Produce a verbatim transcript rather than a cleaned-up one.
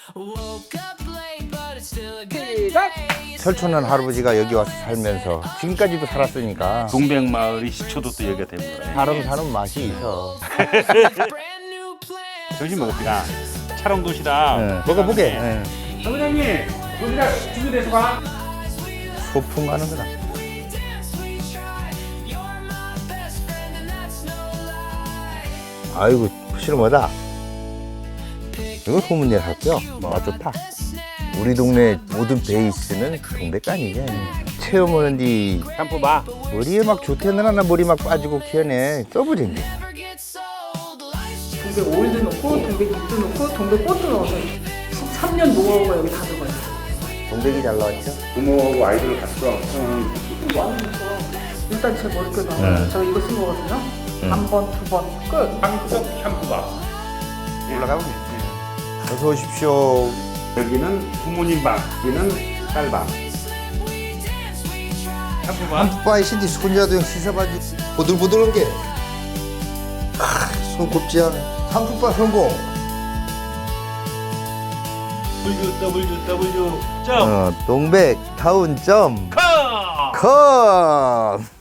시작! 설촌은 할아버지가 여기 와서 살면서 지금까지도 살았으니까 동백마을이 시초도 또 여기가 됩니다. 사람 사는 맛이 있어. 점심 먹읍시다. 촬영 도시락. 네, 먹어보게. 네. 사무장님, 도시락 준비돼서 가. 소풍 가는 거다. 아이고 실험하다. 이거 소문내 살게요. 맛 좋다. 우리 동네 모든 베이스는 동백간이지. 체험하는 뒤 샴푸 봐. 머리에 막 좋대느라 나 머리 막 빠지고 키워내 써버린대. 동백 오일도 넣고 동백 잎도 넣고 동백 꽃도 넣어서 십삼 년 노하우가 여기 다 들어가 있어. 동백이 잘 나왔죠? 부모하고 아이들을 같이 와. 이거 완전 좋아. 일단 제 머릿결 나와. 네. 제가 이거 쓴 거거든요. 한 번, 두 번, 끝. 한국 샴푸 봐. 올라가면 어서 오십시오. 여기는 부모님 방, 여기는 딸 방. 샴푸 봐. 한푸바의 신디 손자도 형 씻어봐주지. 보들보들한 게. 아, 손 곱지 않아. 한푸바 성공. W W W 점 어, 동백 타운 점 컴. 컴.